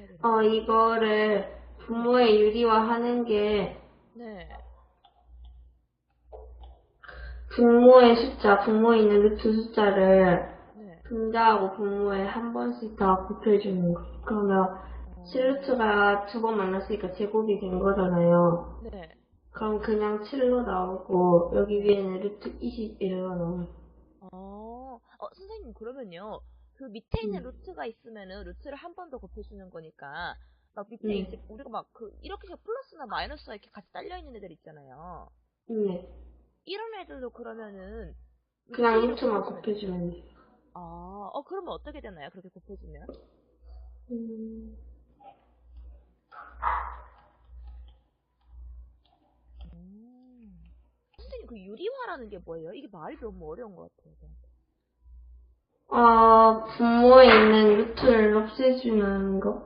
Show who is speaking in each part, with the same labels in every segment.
Speaker 1: 이거를 분모에 유리화하는 게
Speaker 2: 네.
Speaker 1: 분모에 있는 루트 숫자를
Speaker 2: 네.
Speaker 1: 분자하고 분모에 한 번씩 다 곱해주는 거. 그러면
Speaker 2: 어,
Speaker 1: 7루트가 두 번 만났으니까 제곱이 된 거잖아요.
Speaker 2: 네.
Speaker 1: 그럼 그냥 7로 나오고 여기
Speaker 2: 네.
Speaker 1: 위에는 루트 21로 나와요.
Speaker 2: 선생님, 그러면요. 그 밑에 있는
Speaker 1: 음,
Speaker 2: 루트가 있으면은 루트를 한 번 더 곱해주는 거니까, 막 밑에
Speaker 1: 음,
Speaker 2: 이제 우리가 막 이렇게 해서 플러스나 마이너스가 이렇게 같이 딸려있는 애들 있잖아요.
Speaker 1: 네.
Speaker 2: 이런 애들도 그러면은 루트
Speaker 1: 그냥
Speaker 2: 1을
Speaker 1: 루트만
Speaker 2: 곱해주면 돼요?
Speaker 1: 곱해주면 돼요.
Speaker 2: 그러면 어떻게 되나요? 그렇게 곱해주면?
Speaker 1: 음,
Speaker 2: 음. 선생님, 그 유리화라는 게 뭐예요? 이게 말이 너무 어려운 것 같아요, 저한테.
Speaker 1: 분모에 있는 루트를 없애주는 거?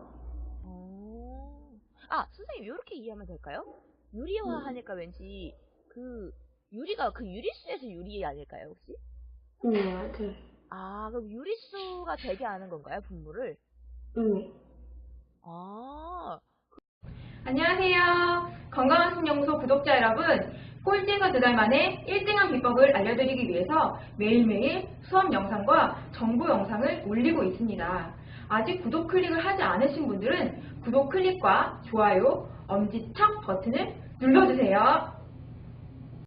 Speaker 2: 선생님, 이렇게 이해하면 될까요? 유리화 하니까 왠지 유리가 그 유리수에서 유리 아닐까요, 혹시?
Speaker 1: 네, 맞아요.
Speaker 2: 그럼 유리수가 되게 하는 건가요, 분모를?
Speaker 1: 네.
Speaker 2: 아,
Speaker 3: 안녕하세요. 건강한 신연구소 구독자 여러분. 꼴찌가 2달 만에 1등한 비법을 알려드리기 위해서 매일매일 수업 영상과 정보 영상을 올리고 있습니다. 아직 구독 클릭을 하지 않으신 분들은 구독 클릭과 좋아요, 엄지척 버튼을 눌러주세요.